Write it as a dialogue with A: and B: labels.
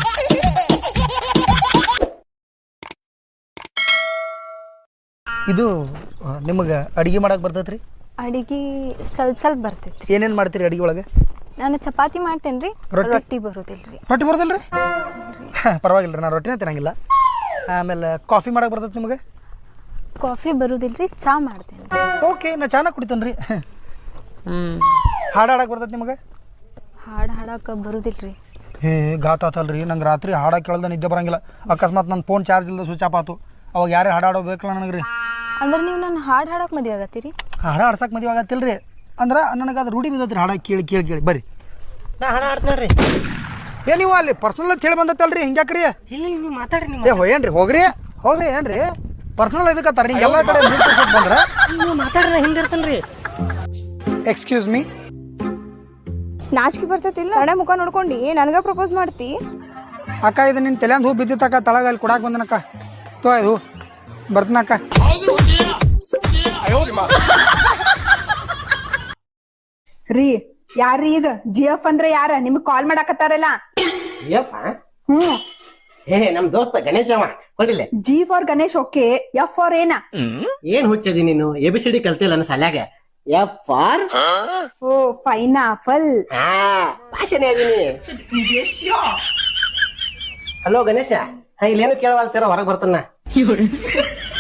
A: ಇದು ನಿಮಗೆ ಅಡಿಗೆ ಮಾಡಕ್ಕೆ ಬರ್ತೈತ್ರಿ?
B: ಅಡಿಗೆ ಸ್ವಲ್ಪ ಬರ್ತೈತ್ರಿ.
A: ಏನೇನು ಮಾಡ್ತೀರಿ ಅಡಿಗೆ ಒಳಗೆ?
B: ನಾನು ಚಪಾತಿ ಮಾಡ್ತೇನೆ ರೀ. ರೊಟ್ಟಿ ಬರೋದಿಲ್ರಿ.
A: ರೊಟ್ಟಿ ಬರೋದಿಲ್ಲ ರೀ? ಪರವಾಗಿಲ್ಲ ರೀ, ನಾನು ರೊಟ್ಟಿನೇ ತಿನ್ನಂಗಿಲ್ಲ. ಆಮೇಲೆ ಕಾಫಿ ಮಾಡಕ್ಕೆ ಬರ್ತೈತೆ ನಿಮಗೆ?
B: ಕಾಫಿ ಬರೋದಿಲ್ರಿ, ಚಾ ಮಾಡ್ತೇನೆ ರೀ.
A: ಓಕೆ, ನಾ ಚಾನ ಕುಡಿತೇನೆ ರೀ. ಹಾಡು ಹಾಡಕ್ಕೆ ಬರ್ತೈತೆ ನಿಮಗೆ?
B: ಹಾಡು ಹಾಡಕ್ಕೆ ಬರೋದಿಲ್ರಿ.
A: ಘಾತ ಆತಲ್ರಿ, ನಂಗೆ ರಾತ್ರಿ ಹಾಡಕ್ಕೆ ಕೇಳ್ದ ನಿದ್ದೆ ಬರಂಗಿಲ್ಲ. ಅಕಸ್ಮಾತ್ ನನ್ನ ಫೋನ್ ಚಾರ್ಜ್ ಇಲ್ಲದ ಸ್ವಿಚ್ ಆಫ್ ಆತು, ಅವಾಗ ಯಾರೇ ಹಾಡಾಡೋ ಬೇಕಲ್ಲ ನನಗೆ ರೀ.
B: ಅಂದ್ರೆ ನೀವು ನನ್ನ ಹಾಡು ಹಾಡಕ್ಕೆ ಮದುವೆ ಆಗತ್ತೀರಿ?
A: ಹಾಡು ಆಡ್ಸಕ್ಕೆ ಮದುವೆ ಆಗತ್ತಿಲ್ಲ ರೀ. ಅಂದ್ರೆ ನನಗೆ ಅದು ರೂಢಿ ಬಿದ್ದೈತ್ರಿ ಹಾಡಕ್ಕೆ ಕೇಳಿ ಕೇಳಿ ಕೇಳಿ. ಬರ್ರಿ
C: ನಾ ಹಾಡು ಆಡ್ತೇನೆ
A: ಏ ನೀವು ಅಲ್ಲಿ ಪರ್ಸನಲ್ ಅಂತ ಹೇಳಿ ಬಂದತ್ತಲ್ರಿ, ಹಿಂಗ್ಯಾಕ್ರಿ?
C: ಇಲ್ಲ ನೀವು ಮಾತಾಡ್ರಿ.
A: ಏನ್ರಿ ಹೋಗ್ರಿ ಏನ್ರಿ ಪರ್ಸನಲ್ ಇದಕ್ಕತ್ತಾರ ನೀವು ಎಲ್ಲ ಕಡೆ ಬಂದ್ರೆ?
C: ನೀವು ಮಾತಾಡ್ರಿ, ಹಿಂದಿರ್ತೇನೆ ರೀ.
A: Excuse me.
B: ನಾಚಿಕೆ ಬರ್ತೈತಿಲ್ಲ? ಕಡೆ ಮುಖ ನೋಡ್ಕೊಂಡು ನನಗ ಪ್ರಪೋಸ್ ಮಾಡ್ತಿ?
A: ಅಕ್ಕ ಇದು ನಿನ್ನ ತಲೆಂದು ಹೂ ಬಿದ್ದಿತ್ತಕ್ಕ, ತಳಗ ಅಲ್ಲಿ ಕೊಡಾಕ್ ಬಂದನಕ್ಕ. ತೋ ಇದು ಬರ್ತನಕ್ಕ.
D: ರೀ ಯಾರ್ರೀ ಇದು? GF ಅಂದ್ರೆ ಯಾರ? ನಿಮ್ಗ್ ಕಾಲ್ ಮಾಡಾಕತ್ತಾರಲ್ಲ.
C: GF? ನಮ್ ದೋಸ್ತ ಗಣೇಶ ಕೊಡಿಲ್ಲ.
D: G for Ganesh, okay. F for ಏನ?
C: ಏನ್ ಹುಚ್ಚದಿ ನೀನು? ABCD ಕಲ್ತಿಲ್ಲ ನನ್ನ ಸಾಲ್ಯಾಗ. F for
D: O pineapple.
C: ಭಾಷೆನೇ ಅದೀನಿ. ಹಲೋ ಗಣೇಶ, ಇಲ್ಲೇನು ಕೇಳವಾಗ್ತಾರ, ಹೊರಗೆ ಬರ್ತಾನ.